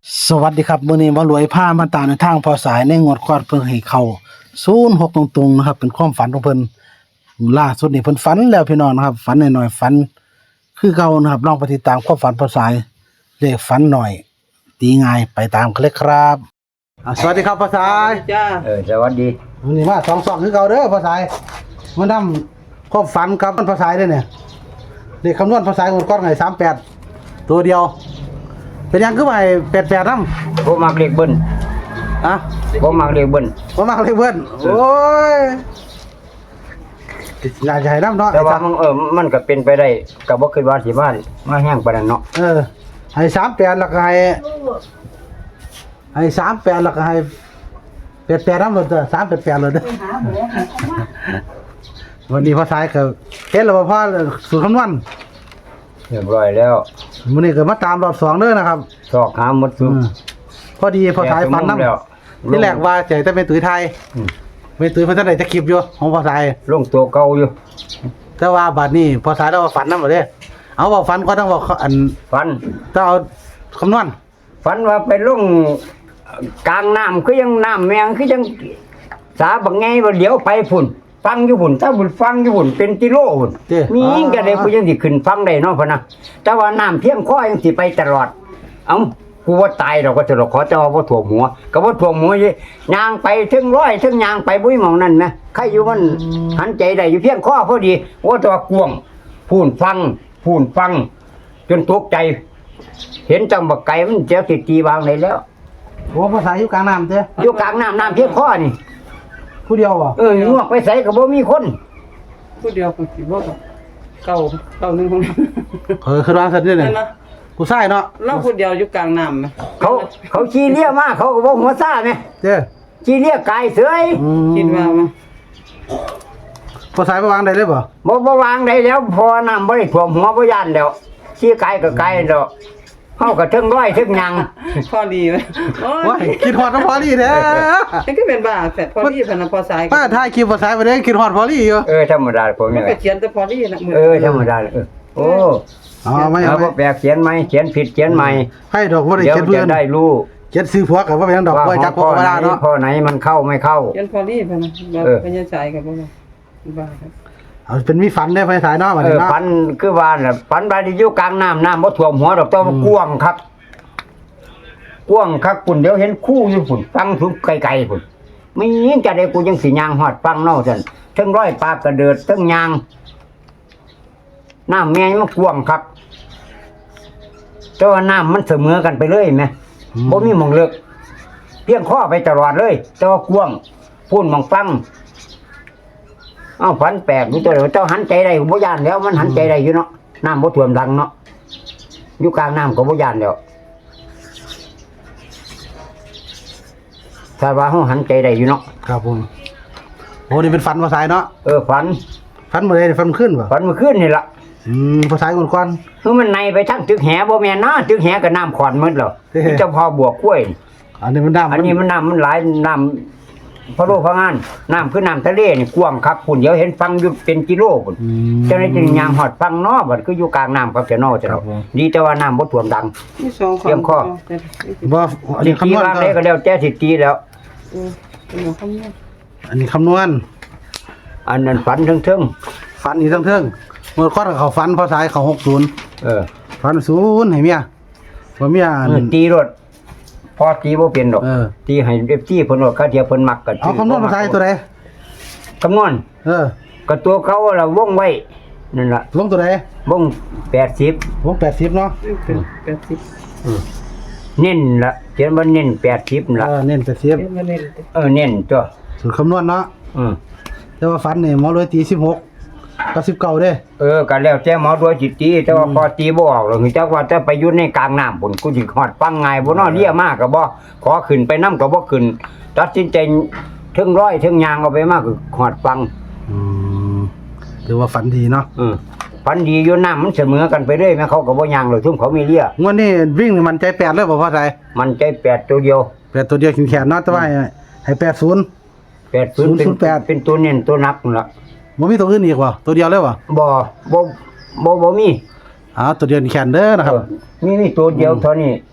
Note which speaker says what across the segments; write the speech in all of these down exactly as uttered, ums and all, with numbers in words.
Speaker 1: สวัสดีครับมื้อนี้หมารวยพามาตามในทางพอสายในงวดก่อนเพิ่นให้เข้าศูนย์หกตรงๆนะครับเป็นความฝันของเพิ่นล่าสุดนี่เพิ่นฝันแล้วพี่น้องนะครับฝันน้อยๆฝันคือเก่านะครับลองไปติดตามความฝันพอสายเลขฝันหน่อยตีง่ายไปตามกันเลยครับอ่าสวัสดีครับพอสาย
Speaker 2: จ้า
Speaker 3: เออสวัสดี
Speaker 1: มื้อนี้มาสองสองคือเก่าเด้อพอสายมานำความฝันกับพอสายเด้อเนี่ยเลขคำนวณพอสายงวดก่อนให้สามแปดตัวเดียวเป็นหยังคือไปแปดแปดนำ
Speaker 3: ผมมักเรียกเบิ้ล
Speaker 1: อ่ะ
Speaker 3: ผมมักเรียกเบิ้ล
Speaker 1: ผมมาเลยเพื่อนโอ้ยน่าจะให้น้ำเนาะ
Speaker 3: แต่ว่ามันเออมันก็เป็นไปได้ก็บ่คิดว่าสิมามาแห้งปานนั้นเนาะ
Speaker 1: เออให้สามแปดแล้วก็ให้ให้สามแปดแล้วก็ให้แปดแปดน้ำหลดเด้อสามแปดแปดหลดเด้อวันนี้พอสายก็เห็นแล้วว่าพ่อสูตรคำนวณ
Speaker 3: เรียบร้อยแล้ว
Speaker 1: วันนี้ก็มาตามรอบสองเด้อนะครับ
Speaker 3: สอกหาหมดสุ
Speaker 1: อืมพอดีพอสายฟันน้
Speaker 3: แล้ว
Speaker 1: ำที่แรกว่าใจแต่เป็นตุ้ยไทย
Speaker 3: อืม
Speaker 1: เป็นตุ้ยเพัฒนาจะคลิปอยู่ของพอสาย
Speaker 3: ลงตัวเก่าอยู่
Speaker 1: แต่ว่าบัดนี้พอสายแล้วว่าฝันน้ำหมดเลยเอาบอกฝันก็ต้องบอกอัน
Speaker 3: ฝัน
Speaker 1: ต้องเอาคำนวณ
Speaker 3: ฝันว่าไปลงกลางน้ำคือยังน้ำแมงคือยังสาบักไงว่าเดี๋ยวไปพุ่นฟังอยู่พุ่นถ้าบุญฟังอยู่พุ่นเป็นกิโลพุ่น
Speaker 1: เจ้
Speaker 3: มียิ่งก็ได้ผู้ยังสิขึ้นฟังได้เนาะพ่นนะแต่ว่าน้ำเพียงคอยังสิไปตลอดเอ้ากูว่าตายเราก็จะขอเจ้าว่าถ่วงหัวก็ว่าถ่วงหัวยี่ยางไปถึงร้อยถึงยางไปบุ้ยหมองนั่นนะใครอยู่มันหันใจได้อยู่เพียงข้อพอดีว่าตัวกวงพูนฟังพูนฟัง จนตกใจ เห็นจังบักไก่มันเจ้าติดตีวางเลยแล้ว
Speaker 1: โอ้ภาษาอยู่กลางน้ำเจ้
Speaker 3: อยู่กลางน้ำน้ำเพียงข้อนี่
Speaker 1: ผู้เดียวบ่
Speaker 3: เอองวกไปใส่กับบ่มีคน
Speaker 2: ผู้เดียวคนสิบ่ก็เก่าเก่าหนึงของ
Speaker 1: เออคือร้านสัตว์นี่
Speaker 2: นั่
Speaker 1: เนี่ย
Speaker 2: นนะ
Speaker 1: ผู้ชายเนาะ
Speaker 2: เราผู้เดียวอยู่กลางน้ำไหม
Speaker 3: เขาเขาชี้เลี้ยมาเขาก็บ่หัวซ่าไหม
Speaker 1: เจ้
Speaker 3: ชี้เลี้ยกายเสย
Speaker 1: อืม
Speaker 2: คิดว่ามั้ย
Speaker 1: ภาษาไปวางได้เลยบ่
Speaker 3: บ่บ่วางได้แล้วพอน้ำบ่ได้ท่วมหัวบ่ย่านแล้วชี้กายก็กายแล้วเฮาก็ถึงร้อยถึงหยัง
Speaker 2: พอดีไหมโอ้
Speaker 1: ว้าย ยคิดฮอดน้ำพอลี่แท้
Speaker 2: นี่ก็เป็นบ้าแฝดพอดีพนันพอสาย
Speaker 1: ป้าถ่ายคลิปภาษาไปเด้คิดฮอดพอลี่อยู่
Speaker 3: เออธรรมดาผม
Speaker 2: มั
Speaker 3: นี่
Speaker 2: น
Speaker 3: แห
Speaker 2: ก็
Speaker 3: ละ
Speaker 2: เขียนแต่พอดีนะมือ
Speaker 3: เออธรรมดาเออโอ้
Speaker 1: อ๋อไม่
Speaker 3: เอา
Speaker 1: เอา
Speaker 3: บ่แปลกเขียนไหมเขียนผิดเขียนใหม่
Speaker 1: ให้ดอกบ่ได้
Speaker 3: เดี๋ยว
Speaker 1: เขียนเพื่อ
Speaker 3: จะ
Speaker 1: น
Speaker 3: ได้รู้
Speaker 1: เขียนซื้อผัวกับว่าเป็นดอก
Speaker 3: ว่า
Speaker 1: ไว้จัก
Speaker 3: ข
Speaker 1: พ่
Speaker 3: อ
Speaker 1: อง เว
Speaker 3: ไหน
Speaker 1: ลาเนาะ
Speaker 3: ข้อไหนมันเข้าไม่เข้า
Speaker 2: เขียนพอดีพนันบ่
Speaker 3: เออ
Speaker 2: พยัญชนะกับบ่บ้าครับ
Speaker 1: เอาเป็นมีฝันได้ภาษาเนาะบัด
Speaker 3: เอ
Speaker 1: นี้
Speaker 3: อ
Speaker 1: เนาะ
Speaker 3: ฝันคือว่าน่ะฝันบาดอยู่กลางน้ำน้ำบ่ท่วมหัวดอกแต่ว่ากว้างครับกว้างครับปุ่นเดี๋ยวเห็นคู่อยู่ปุ่นฟังถึงไกลๆปุ่นไม่ยิงจะได้กูยังสิยางฮอดฟังเนาะซั่นทั้งร้อยปากกระเดิดทั้งยางน้ำแม่งมันกว้างครับแต่ว่าน้ำมันเสมอกันไปเลยแม่บ่มีหม่องเลิกเพียงข้อไปตลอดเลย แต่ว่ากว้างพูนหม่องฟังเอ้าฝันแปลกอยู่ตัวเดียวเจ้าหันใจได้บ่ย่านแล้วมันหันใจได้อยู่เนาะน้ำบ่ท่วมดังเนาะอยู่กลางน้ำก็บ่ย่านแล้วถ้าว่าเฮาหันใจได้อยู่เนาะ
Speaker 1: ครับผมโอ้นี่เป็นฝันภาษาเนาะ
Speaker 3: เออฝัน
Speaker 1: ฝันมื้อใดฝันขึ้นบ่
Speaker 3: ฝันเมื่อคืนนี่ล่ะ
Speaker 1: อืมภาษาก่อนก่อน
Speaker 3: คือมันในไปทั้งตึกแหบ่แม่นนะตึกแหก็น้ำขอนหมดแล้ว
Speaker 1: เฮ้ย
Speaker 3: มีเจ้าพ่อบวกกล้วย
Speaker 1: อันนี้มันดำ
Speaker 3: อันนี้มันน้ำมันหลายน้ำพะโลพะงานน้ำคือน้ำทะเลนี่กว้างคักพุ่นเดี๋ยวเห็นฟังอยู่เป็นกิโลพุ่น
Speaker 1: อืม
Speaker 3: เจ้าหน้าที่ยางหอดฟังเนอบัดคืออยู่กลางน้ำครับแต่นอจะ
Speaker 1: ครับผม
Speaker 3: ดีแต่ว่าน้ำบ่ท่วมดัง
Speaker 2: มีสอง
Speaker 3: เตรียมข้อ
Speaker 1: บ่อัน
Speaker 3: สิ
Speaker 1: นี้
Speaker 3: ตี
Speaker 1: คำนวณ
Speaker 3: วาง
Speaker 1: ก็
Speaker 3: ได้ก็แล้วแต่สิตีแล้ว
Speaker 2: เออเป็นของคำนี้
Speaker 1: อันนี้คำนวณ
Speaker 3: อันนั้นฝันเทิง
Speaker 1: ฝันอีกทั้งเทิงเมื่อก่อนเขาฝันภาษาเขาหกศูนย์
Speaker 3: ๆเออ
Speaker 1: ฝันศูนย์ให้เมียว่าเมีย
Speaker 3: เออตีรถพอตีบ่เป็นดอก
Speaker 1: เออ
Speaker 3: ตีให้เอฟซีเพิ่นว่าเขาเทียเพิ่นมักกัน
Speaker 1: เอาคำนวณภาษาตัวใด
Speaker 3: คำนวณ
Speaker 1: เออ
Speaker 3: ก็ตัวเขาล่ะวงไว้นั่นล่ะ
Speaker 1: ลงตัวใด
Speaker 3: วงแปดสิบ
Speaker 1: วงแปดสิบเนาะ
Speaker 2: เป็นแปดสิบ
Speaker 3: เน้นละเขียนว่าเน้นแปดสิบ
Speaker 1: เอ
Speaker 3: ละ
Speaker 1: อเน้นแปดสิบ
Speaker 2: เป็นมาเน้น
Speaker 3: เออเน้นตัว
Speaker 1: สูตรคำนวณเนาะ
Speaker 3: อืม
Speaker 1: แต่ว่าฝันเนี่ยหมอรวยตีสิบหกกับสิบเก้าเด้
Speaker 3: เออก็แล้วแต่หมอด้วยจิตตีแต่ว่าพอตีบ่ออกหรอกคือจักว่าจะไปอยู่ในกลางน้ำพุ่นกูสิฮอดฟังง่ายบ่เนาะเลี้ยมากก็บ่ขอขึ้นไปนำก็บ่ขึ้นตัดสินใจถึงร้อยถึงยางเอาไปมากก็ฮอดฟัง
Speaker 1: อืมถือว่าฝันดีเนาะ
Speaker 3: อืมฝันดีอยู่น้ำมันเสมอกันไปเรื่อยแม่เขาก็บ่ยางหรอกซุ่มเขามีเลี้ย
Speaker 1: งวดนี้วิ่งนี่มันใจแปดเลยบ่พอใจ
Speaker 3: มันใจแปดตัวเดียว
Speaker 1: แปดตัวเดียวแขนๆเนาะแต่ว่าให้ให้แปดศูนย์
Speaker 3: แปดศูนย์เป็น
Speaker 1: ศูนย์แปด
Speaker 3: เป็นตัวเน้นตัวนักนั่นล่ะ
Speaker 1: บ่มีตัวอื่นอีกบ่ตัวเดียวเลยบ่
Speaker 3: บ่บ่บ่บ่มี
Speaker 1: อ้าวตัวเดียวแขนเด้อนะครับ
Speaker 3: เออมีมีตัวเดียวเท่านี้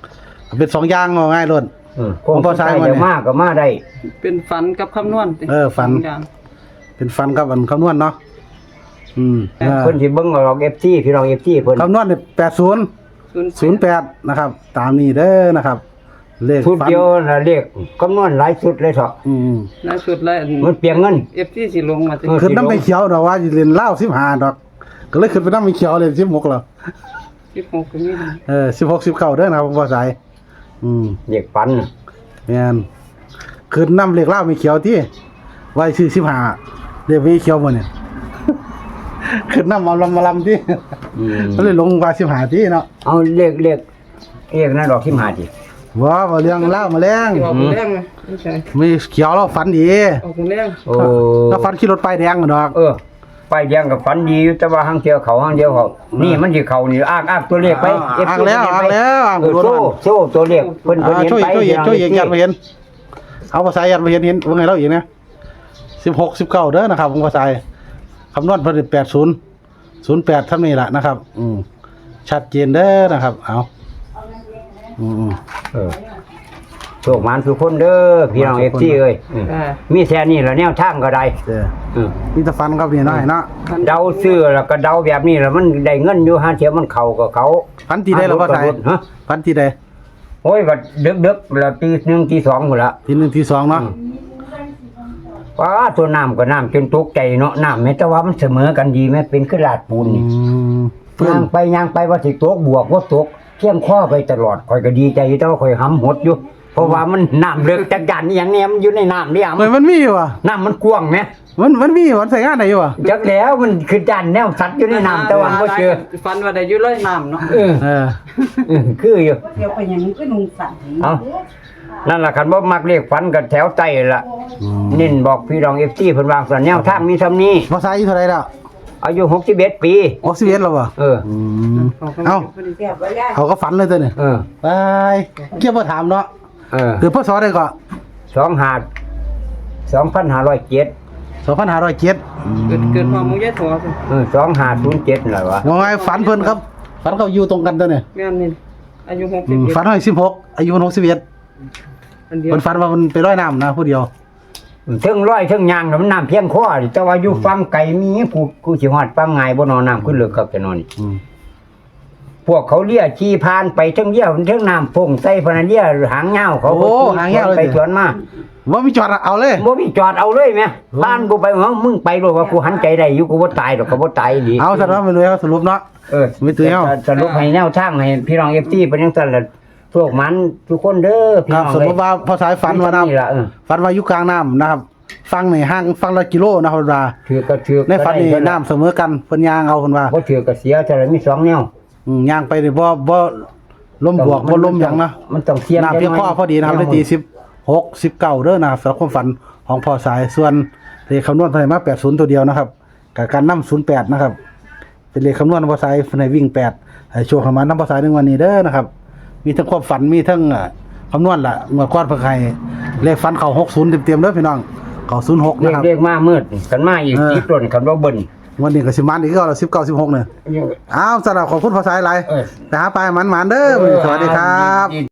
Speaker 1: เป็นสองอย่างเอาง่ายโลด
Speaker 3: เออคงพอใช้จะมากก็มาได้
Speaker 2: เป็นฝันกับคำนวณติ
Speaker 1: เออฝัน
Speaker 2: สงอย่าง
Speaker 1: เป็นฟันกับอันคำนวณเนาะอืมเออ
Speaker 3: เพิ่นสิเบิ่งเอาดอก เอฟ ซี พี่น้อง เอฟ ซี เพิ่น
Speaker 1: คำนวณนี่แปดศูนย์
Speaker 2: ศูนย์
Speaker 1: ศูนย์แปดนะครับ ตามนี้เด้อนะครับ เลข
Speaker 3: ชุด
Speaker 1: ฟัน
Speaker 3: เดียวน่ะเรียกคำนวณหลายชุดเลยเถาะ
Speaker 1: อืม
Speaker 2: ล่าสุดแล้ว
Speaker 3: มันเปลียงเงิน
Speaker 2: เอฟซีสิลงมาติ
Speaker 3: เออ
Speaker 1: ขึ้นน้ำไม่เขียวดอกว่าสิเรียนเล่าสิบห้าดอก ก็เลยขึ้นไปน้ำไม่เขียวเลยสิบหกแล้ว
Speaker 2: สิบหกก็มีนะ
Speaker 1: เออสิบหกสิบเก้าเด้อนะครับผมว่าสายอืม
Speaker 3: เรียกปันน่ะ
Speaker 1: แม่นขึ้นน้ำเลขเล่าไม่เขียวที่ไว้ชื่อสิบห้าเรียกไม่เขียวหมดเนี่ย ขึ้นน้ำมาลำมาลำที่
Speaker 3: อืม
Speaker 1: ก็เลยลงว่าสิบห้าที่เนาะ
Speaker 3: เอาเรียกเรียกเรียกนั่นดอกที่มาดิ
Speaker 1: ว้าว่าเรื่องเล่ามาแรง
Speaker 2: ที่ออกคนแรงไหมไม่ใช่
Speaker 1: มีเขียวแล้วฝันดี
Speaker 2: ออกคนแรง
Speaker 3: โอ้
Speaker 1: แล้วฝันขี่รถป้ายแดงกันดอก
Speaker 3: เออไปแยังกับฝันดีอยู่แต่ว่าหางเดียวเขาหางเดียวเขานี่มันสิเขานี่อ้างอ้างตัวเลขไป
Speaker 1: อ่าอ้างแล้วอ้างแล้วอ้าง
Speaker 3: เออ
Speaker 1: รถ
Speaker 3: โซ่
Speaker 1: มัน
Speaker 3: โซ่ตัวเลขเพิ่นเพิ่น
Speaker 1: อ่า
Speaker 3: เห็น
Speaker 1: ช่วย
Speaker 3: ไป
Speaker 1: ช่วยเอกช่วยเอกยันมาเห็น เอาภาษายันมาเห็นเห็นว่าไงเราอีกนะสิบหกสิบเก้าเด้อนะครับของภาษาคำนวณผลิตแปดศูนย์ศูนย์แปดท่านนี้แหละนะครับ อืมชัดเจนเด้อนะครับ เอาอืม
Speaker 3: เออโชคหมานทุกคนเด้อพี่น้อง
Speaker 1: มา
Speaker 3: เอ
Speaker 1: ทุ
Speaker 3: ฟ
Speaker 1: กคน
Speaker 3: ซีเอ้ยอืม
Speaker 2: อ่า
Speaker 3: มีแค่นี้ละแนวทางก็ได้
Speaker 1: เด้อ
Speaker 3: อืม
Speaker 1: มีแต่ฟันครับนี่น้อยเนาะ
Speaker 3: เดาซื้อแล้วก็เดาแบบนี้แล้วมันได้เงินอยู่หาเทียมันเข้ากับเขา
Speaker 1: ฟันที่ได้แล้วภาษา
Speaker 3: ฮะ
Speaker 1: ฟันที่ได้
Speaker 3: โอ้ยก็ดึกๆแล้วตีหนึ่งตีสองหมดละ
Speaker 1: ที่หนึ่งที่สองเนาะ
Speaker 3: ว้าตัวน้ำก็น้ำจนตกใจเนาะน้ำแม้แต่ว่ามันเสมอกันดีไหมเป็นขึ้นลาดปูน
Speaker 1: อื
Speaker 3: นี่
Speaker 1: มเพื่อน
Speaker 3: ย่างไปย่างไปว่าสิตกบวกว่าตกเที่ยงข้อไปตลอดคอยก็ดีใจอยู่แต่ว่าคอยหำหดอยู่ เพราะว่ามันน้ำเลิกจากยันอหย่างเนี้ยมันอยู่ในน้ำเนี่ย
Speaker 1: เฮ้ยมันมีอยู่ว่ะ
Speaker 3: น้ำมันกว้างไหม
Speaker 1: มันมันมีอยู่มันใส่งานไหนอยู่ว่ะ
Speaker 3: จักแล้วมันคือจันแนวสัตว์อยู่ในน้ำแต่ว่าก็เจอ
Speaker 2: ฝันว่าได้อยู่ร้อยน้ำเนาะ
Speaker 3: เออ
Speaker 1: เออ
Speaker 3: เออคืออยู่
Speaker 4: เดี๋ยวไปอย่างนี้ก็นุ่งสั่น
Speaker 3: เอานั่นแหละคันบ่มักเรียกฝันกับแถวใต้ละ
Speaker 1: อืม
Speaker 3: เน้นบอกพี่รองเอฟซีเพิ่นวางส่วนแนวทางมีซ้ำนี้
Speaker 1: ภาษาอยู่เท่าไหรแล้ว
Speaker 3: อายุหกสิบเอ็ดปี
Speaker 1: ออกซิเวนแล้วว่ะ
Speaker 3: เออ
Speaker 1: อืมเอ้า
Speaker 4: เดี๋ยวไปได้
Speaker 1: เขาก็ฝันเลยตัวเนี่ย
Speaker 3: เออ
Speaker 1: ไปเกี่ยวมาถามเนาะ
Speaker 3: เออ
Speaker 1: คือพ่อสอนได้ก็
Speaker 3: สองหาดสองพันห้าร้อยเจ็ด
Speaker 1: สองพันห้าร้อยเจ็ด
Speaker 2: เกิดเกิดความมุ้งยายถั่วสิ
Speaker 3: เออสองหาศูนย์เจ็ดอะไรวะ
Speaker 1: ว่าไงฝันเพิ่นครับฝันเขาอยู่ตรงกันตัวเนี่ย
Speaker 2: แม่นนี่อายุหก
Speaker 1: อื
Speaker 2: สิบ
Speaker 1: ม
Speaker 2: เอ็ด
Speaker 1: ฝันให้สิบหกอายุมันหกสิบเอ็ด
Speaker 2: อันเดียว
Speaker 1: เพิ่นฝันว่ามันไปร้อยน้ำนะผู้เดียว
Speaker 3: เทิงร้อยเทิงยางน่ะมันน้ำเพียงคอดิแต่ว่าอยู่ฟังไก่มีผู้กูสิฮอดฟังไงบ่นอนน้ำขึ้นเลือกกับจะนอนนี่
Speaker 1: อืม
Speaker 3: พวกเขาเลี้ยขี่พานไปเทิงเลี้ยเทิงน้ำพงใส่พนันเลี้ยหางเงาเขาก็ขี่ไปสวนมา
Speaker 1: ว่ามีจอดเอาเลย
Speaker 3: บ่มีจอดเอาเลยแม่บ้านกูไปเหรอมึงไปโลดว่ากูหันใจได้อยู่กูบ่ตายดอกก็บ่ตายดี
Speaker 1: เอาสรุปไปเลยเอาสรุปเนาะ
Speaker 3: เออ
Speaker 1: ไม่ตื่นเอา
Speaker 3: สรุปให้แนวทางให้พี่น้อง เอฟ ซี เป็นจังซั่นล่ะพวกมันทุกคนเด้อพี่
Speaker 1: ค
Speaker 3: น้
Speaker 1: รั
Speaker 3: อบ ง
Speaker 1: สมมติว่าพอสายฝันว่าน้
Speaker 3: นี่ล่ะเออ
Speaker 1: ำฝันว่าอยู่กลางน้ำนะครับ ฟังในห้างฟังละกิโลนะครับว่า
Speaker 3: ถือก็ถือ
Speaker 1: ในฝันนี่น้ำเสมอกันเพิ่นยางเอาเพิ่นว่า
Speaker 3: บ่ถือก็เสียแต่ละมีสองแนว
Speaker 1: อืมยางไปนี่บ่บ่ลมบวกบ่ลมหยังนะ
Speaker 3: มันต้องเสียง
Speaker 1: น้ำเพียงพอพอดีนะครับได้ตีสิบหกสิบเก้าเด้อนะครับสำหรับความฝันของพอสายส่วนเลขคำนวณเพิ่นให้มาแปดศูนย์ตัวเดียวนะครับกับการนำศูนย์แปดนะครับ เป็นเลขคำนวณของพอสายเพิ่นให้วิ่งแปดให้โชว์เข้ามานำพอสายในวันนี้เด้อนะครับ มีทั้งความฝันมีทั้งอ่าคำนวณล่ะเมื่อก่อนเพิ่นให้เลขฝันเข้าหกศูนย์เต็มๆเด้อพี่น้องเข้าศูนย์หก
Speaker 3: เรีย
Speaker 1: นะ
Speaker 3: ก
Speaker 1: ครับ
Speaker 3: เรียกมามืดกันมาอีก
Speaker 1: เออ
Speaker 3: สิบต้นคันบ่เบิ่น
Speaker 1: วันนี้ก็สิมานอีกก็สิบเก้าสิบหกเนี่ยอ้าวสำหรับขอบคุณพอสายหลาย
Speaker 3: เออ
Speaker 1: ไปหาปลายหมันๆเด้อสวัสดีครับ